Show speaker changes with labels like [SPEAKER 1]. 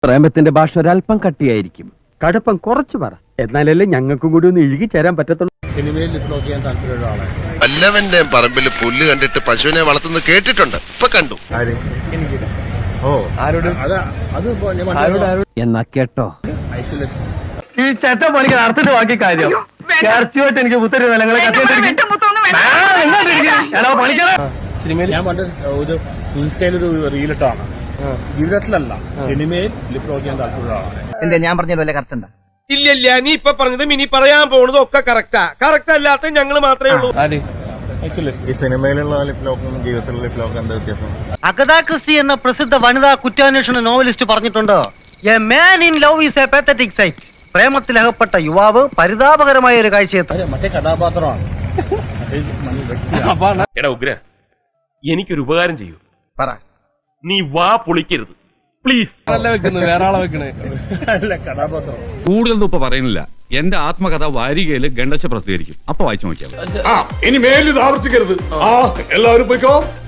[SPEAKER 1] പ്രേമത്തിന്റെ ഭാഷ ഒരല്പം കട്ടിയായിരിക്കും.
[SPEAKER 2] കടുപ്പം കുറച്ച് പറ, എന്നാലല്ലേ ഞങ്ങൾക്കും കൂടി ഒന്ന് ഇഴുകി ചേരാൻ പറ്റത്തുള്ളൂ.
[SPEAKER 3] സിനിമയിൽ ലിപ്ലോക്ക് ചെയ്യാൻ താല്പര്യമുള്ള ആളാണ്.
[SPEAKER 4] വല്ലവന്റെ പറമ്പിൽ പുല്ല് കണ്ടിട്ട് പശുവിനെ വളർത്തുന്നത് കേട്ടിട്ടുണ്ട്, ഇപ്പൊ കണ്ടു.
[SPEAKER 1] എന്നാ കേട്ടോ,
[SPEAKER 3] ഐസൊലേഷൻ.
[SPEAKER 2] ഈ ചട്ട പണിക്ക് അർത്ഥത്തിൽ ബാക്കി കാര്യം ചർച്ചയായിട്ട് എനിക്ക് പുത്തരി നിലങ്ങളെ
[SPEAKER 3] സിനിമയിൽ ഞാൻ പണ്ട് ഒരു ഇൻസ്റ്റയിൽ ഒരു റീലിട്ടാണ്. ജീവിതത്തിലല്ല, സിനിമയിൽ ലിപ്ലോക്ക് ചെയ്യാൻ താല്പര്യമുള്ള ആളാണ്.
[SPEAKER 5] എന്താ ഞാൻ പറഞ്ഞ വല്ല കറക്റ്റ് ഉണ്ടോ?
[SPEAKER 4] ഇല്ല, നീ ഇപ്പൊ പറഞ്ഞതും ഇനി പറയാൻ പോകുന്നതും ഒക്കെ കറക്റ്റാ. കറക്റ്റ് അല്ലാത്ത ഞങ്ങൾ മാത്രമേ ഉള്ളൂ.
[SPEAKER 3] ഐസൊലേഷൻ.
[SPEAKER 6] ഈ സിനിമയിലുള്ള ലിപ്ലോക്കും ജീവിതത്തിലുള്ള ലിപ്ലോക്കും എന്താ വ്യത്യാസം?
[SPEAKER 5] അഗതാ ക്രിസ്റ്റി എന്ന പ്രസിദ്ധ വനിതാ കുറ്റാന്വേഷണ നോവലിസ്റ്റ് പറഞ്ഞിട്ടുണ്ട്, a man in love is a pathetic sight. പ്രേമത്തിലകപ്പെട്ട യുവാവ് പരിതാപകരമായ ഒരു കാഴ്ചയെത്തി.
[SPEAKER 3] മറ്റേ കഥാപാത്രമാണ്.
[SPEAKER 7] എടാ ഉഗ്ര, എനിക്കൊരു ഉപകാരം ചെയ്യൂ.
[SPEAKER 5] പറ.
[SPEAKER 7] നീ വാ പൊളിക്കരുത് പ്ലീസ്.
[SPEAKER 3] അല്ല, കഥാപാത്രം.
[SPEAKER 8] കൂടുതലൊന്നും ഇപ്പൊ പറയുന്നില്ല. എന്റെ ആത്മകഥ വാരികയില് ഗണ്ടച്ച പ്രസിദ്ധീകരിക്കും, അപ്പൊ വായിച്ചു നോക്കിയാൽ
[SPEAKER 9] ഇനി മേലിത് ആവർത്തിക്കരുത്. എല്ലാവരും പോയിക്കോ.